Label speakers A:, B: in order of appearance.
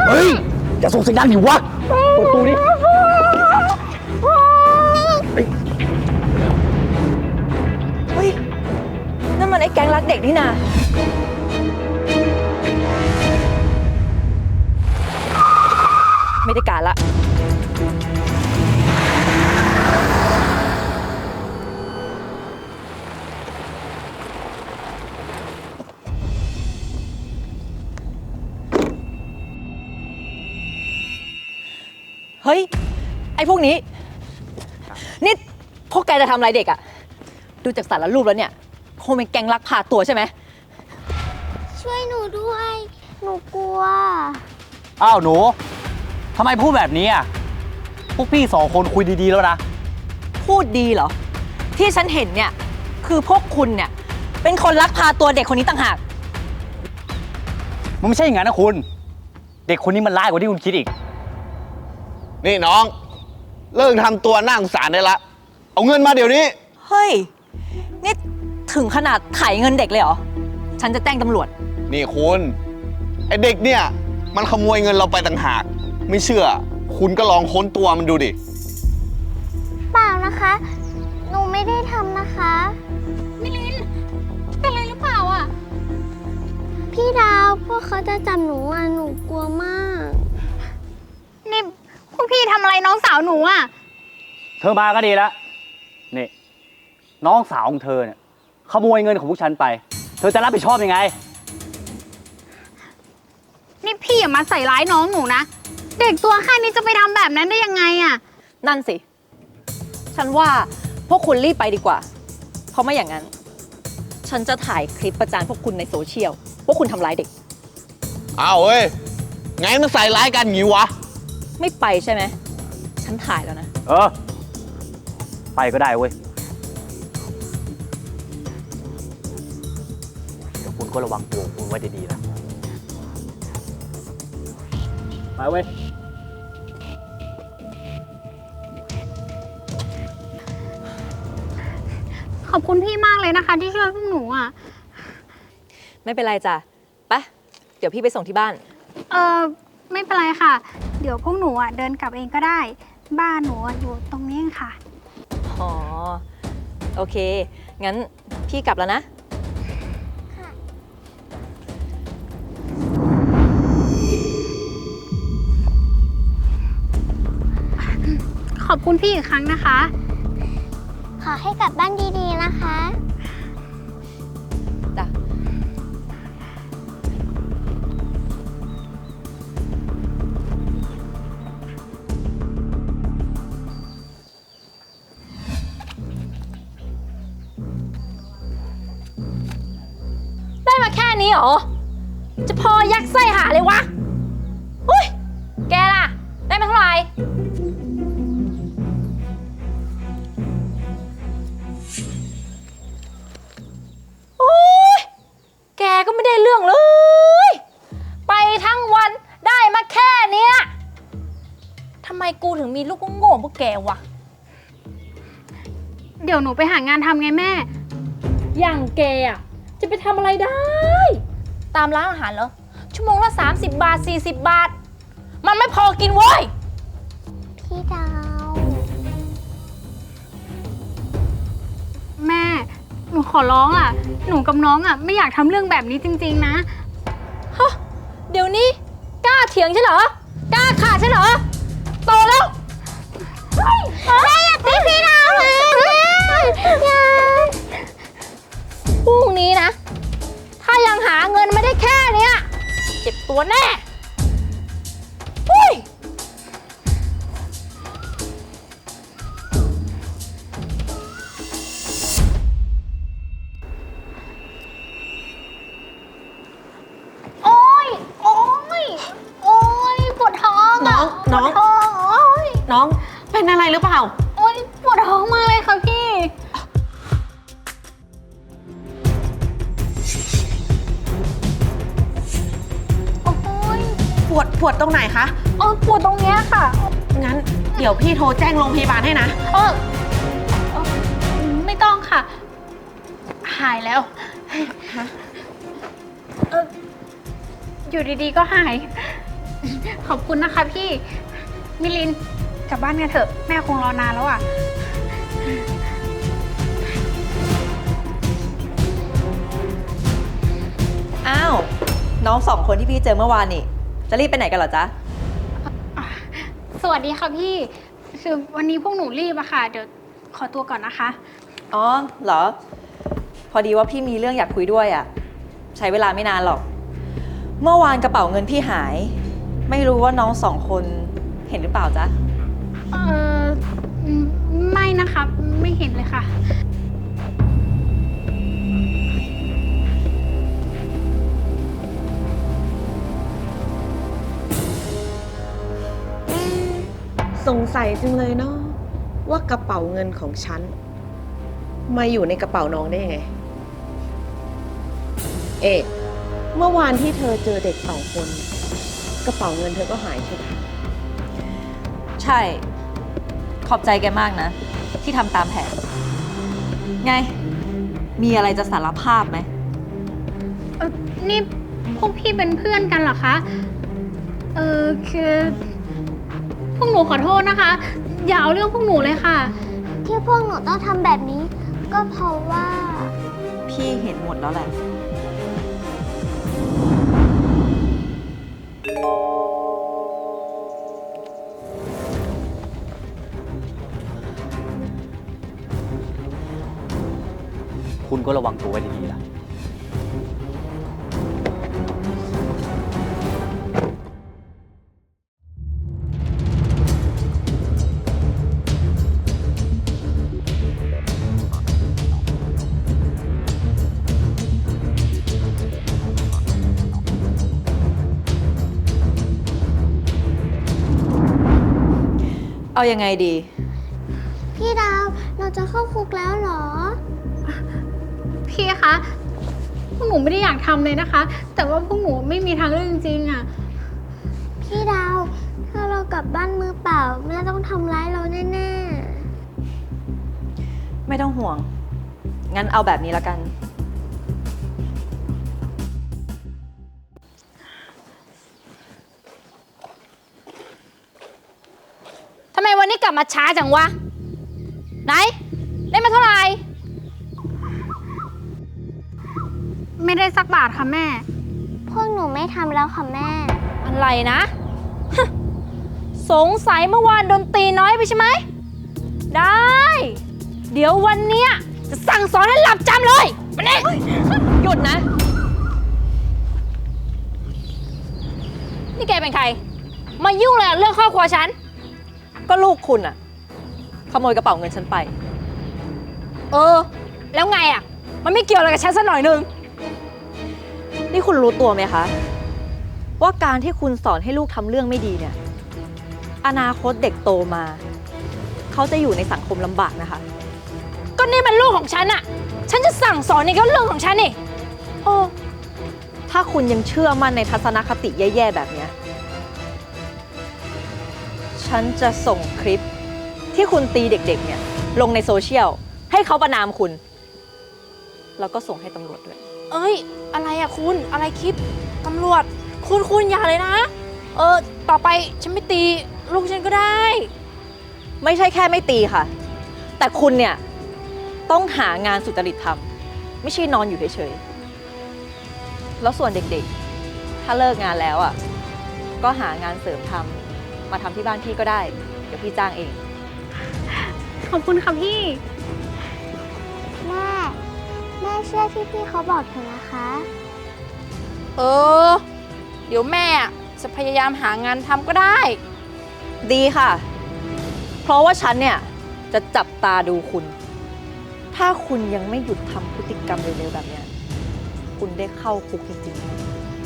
A: เฮ้ยอย่าส่งเสียงดังดิวะเปิดประตูดิ
B: เฮ้ยนั่นมันไอ้แก๊งรักเด็กนี่นาไม่ได้การละเฮ้ยไอ้พวกนี้นี่พวกแกจะทำอะไรเด็กอะดูจากสารรูปแล้วเนี่ยคงเป็นแก๊งลักพาตัวใช่ไหม
C: ช่วยหนูด้วย หนูกลัว
A: อ้าวหนูทำไมพูดแบบนี้อ่ะพวกพี่2 คนคุยดีๆแล้วนะ
B: พูดดีเหรอที่ฉันเห็นเนี่ยคือพวกคุณเนี่ยเป็นคนลักพาตัวเด็กคนนี้ต่างหาก
A: มันไม่ใช่อย่างนั้นนะคุณเด็กคนนี้มันร้ายกว่าที่คุณคิดอีก
D: นี่น้องเลิกทำตัวน่าสงสารได้ละเอาเงินมาเดี๋ยวนี้
B: เฮ้ยนี่ถึงขนาดไถเงินเด็กเลยเหรอฉันจะแจ้งตำรวจ
D: นี่คุณไอเด็กเนี่ยมันขโมยเงินเราไปต่างหากไม่เชื่อคุณก็ลองค้นตัวมันดูดิ
C: เปล่านะคะ หนูไม่ได้ทำนะคะมิลินเป็นอะไรหรือเปล่าอ่ะพี่ดาวพวกเขาจะจับหนูอ่ะหนูกลัวมากนี่พวกพี่ทำอะไรน้องสาวหนูอ่ะ
A: เธอมาก็ดีแล้วนี่น้องสาวของเธอเนี่ยขโมยเงินของพวกฉันไปเธอจะรับผิดชอบยังไง
C: นี่พี่อย่ามาใส่ร้ายน้องหนูนะเด็กตัวแค่นี้จะไปทำแบบนั้นได้ยังไงอ่ะ
B: นั่นสิฉันว่าพวกคุณรีบไปดีกว่าเพราะไม่อย่างนั้นฉันจะถ่ายคลิปประจานพวกคุณในโซเชียลว่าคุณทำร้ายเด็ก
D: อ้าวเฮ้ยไงมันใส่ร้ายกันงี้วะ
B: ไม่ไปใช่ไหมฉันถ่ายแล้วนะ
A: ไปก็ได้เว้ยเดี๋ยวคุณก็ระวังตัวคุณไว้ดีๆนะไปเว้ย
C: ขอบคุณพี่มากเลยนะคะที่ช่วยพวกหนูอ่ะ
B: ไม่เป็นไรจ้ะไปเดี๋ยวพี่ไปส่งที่บ้าน
C: ไม่เป็นไรค่ะเดี๋ยวพวกหนูอ่ะเดินกลับเองก็ได้บ้านหนูอยู่ตรงนี้ค่ะ
B: อ๋อโอเคงั้นพี่กลับแล้วนะ
C: ขอบคุณพี่อีกครั้งนะคะขอให้กลับบ้านดีๆนะคะ
B: จ้ะ
C: ได้มาแค่นี้เหรอจะพอยักไส้หาเลยวะอุ้ยแกล่ะได้มาเท่าไหร่แกก็ไม่ได้เรื่องเลยไปทั้งวันได้มาแค่เนี้ยทำไมกูถึงมีลูกโง่พวกแกวะเดี๋ยวหนูไปหางานทำไงแม่อย่างแกอ่ะจะไปทำอะไรได้ตามร้านอาหารเหรอชั่วโมงละ30 บาท40 บาทมันไม่พอกินเว้ยพี่ดาวแม่หนูขอร้องอ่ะหนูกับน้องอ่ะไม่อยากทำเรื่องแบบนี้จริงๆนะฮะเดี๋ยวนี้กล้าเถียงใช่เหรอกล้าขาดใช่เหรอโตแล้วแม่อย่าตีพี่ดาวเลยอย่าพรุ่งนี้นะถ้ายังหาเงินไม่ได้แค่เนี้ยเจ็บตัวแน่อุ้ย
B: น้องเป็นอะไรหรือเปล่า
C: โอ๊ยปวดท้องมากเลยค่ะพี่โอ๊ย
B: ปวดตรงไหนคะ
C: ปวดตรงเนี้ยค่ะ
B: งั้นเดี๋ยวพี่โทรแจ้งโรงพยาบาลให้นะ
C: ไม่ต้องค่ะหายแล้วอยู่ดีๆก็หายขอบคุณนะคะพี่ มิลินกลับบ้านกันเถอะ แม่คงรอนานแล้วอ่ะ
B: อ้าว น้องสองคนที่พี่เจอเมื่อวานนี่ จะรีบไปไหนกันเหรอจ๊ะ
C: สวัสดีค่ะพี่ คือวันนี้พวกหนูรีบอะค่ะ เดี๋ยวขอตัวก่อนนะคะ
B: อ๋อ เหรอ พอดีว่าพี่มีเรื่องอยากคุยด้วยอะใช้เวลาไม่นานหรอก เมื่อวานกระเป๋าเงินพี่หาย ไม่รู้ว่าน้องสองคนเห็นหรือเปล่าจ๊ะ
C: เออไม่นะคะ ไม่เห็นเลยค่ะ
E: สงสัยจังเลยเนาะว่ากระเป๋าเงินของฉัน มาอยู่ในกระเป๋าน้องได้ยังไง เอ๊ะเมื่อวานที่เธอเจอเด็กสองคน กระเป๋าเงินเธอก็หายใช่ไหม
B: ใช่ ขอบใจแกมากนะ ที่ทำตามแผน ไง มีอะไรจะสารภาพไหม
C: นี่พวกพี่เป็นเพื่อนกันเหรอคะ คือพวกหนูขอโทษนะคะ อย่าเอาเรื่องพวกหนูเลยค่ะ
F: ที่พวกหนูต้องทำแบบนี้ ก็เพราะว่า
B: พี่เห็นหมดแล้วแหละ
A: คุณก็ระวังตัวไว้ดีๆล่ะ
B: เอายังไงดี
F: พี่ดาวเราจะเข้าคุกแล้วเหรอ
C: พี่คะ พวกหนูไม่ได้อยากทำเลยนะคะ แต่ว่าพวกหนูไม่มีทางเลือกจริงๆอะ
F: พี่ดาวถ้าเรากลับบ้านมือเปล่าแม่ต้องทำร้ายเราแน่
B: ไม่ต้องห่วง งั้นเอาแบบนี้ละกัน
C: ทำไมวันนี้กลับมาช้าจังวะ ไหน ได้มาเท่าไหร่ ไม่ได้สักบาทค่ะแม่
F: ๆ พวกหนูไม่ทำแล้วค่ะแม่
C: อะไรนะ สงสัยเมื่อวานดนตรีน้อยไปใช่ไหม ได้ เดี๋ยววันเนี้ยจะสั่งสอนให้หลับจำเลยมานี่
B: หยุดนะ
C: นี่แกเป็นใคร มายุ่งอะไรกับเรื่องครอบครัวฉัน
B: ก็ลูกคุณอะขโมยกระเป๋าเงินฉันไป
C: แล้วไงอ่ะ มันไม่เกี่ยวอะไรกับฉันสักหน่อยนึง
B: นี่คุณรู้ตัวไหมคะ ว่าการที่คุณสอนให้ลูกทำเรื่องไม่ดีเนี่ย อนาคตเด็กโตมา เขาจะอยู่ในสังคมลำบากนะคะ
C: ก็นี่มันลูกของฉันอ่ะ ฉันจะสั่งสอนนี่ก็เรื่องของฉันนี่
B: โอ้ถ้าคุณยังเชื่อมั่นในทัศนคติแย่ๆแบบเนี้ยฉันจะส่งคลิปที่คุณตีเด็กๆเนี่ยลงในโซเชียลให้เขาประณามคุณ แล้วก็ส่งให้ตำรวจด้วย
C: เอ้ย อะไรอะคุณ อะไรคลิปตำรวจ คุณอย่าเลยนะ ต่อไปฉันไม่ตีลูกฉันก็ได้
B: ไม่ใช่แค่ไม่ตีค่ะ แต่คุณเนี่ยต้องหางานสุจริตทำไม่ใช่นอนอยู่เฉยๆ แล้วส่วนเด็กๆ ถ้าเลิกงานแล้วอ่ะ ก็หางานเสริมทำมาทำที่บ้านพี่ก็ได้ เดี๋ยวพี่จ้างเอง
C: ขอบคุณค่ะพี่
F: แม่เชื่อที่พี่เขาบอกเถอะนะคะ
C: เดี๋ยวแม่จะพยายามหางานทำก็ได้
B: ดีค่ะ เพราะว่าฉันเนี่ยจะจับตาดูคุณ ถ้าคุณยังไม่หยุดทำพฤติกรรมเร็วๆแบบเนี้ยคุณได้เข้าคุกจริงๆ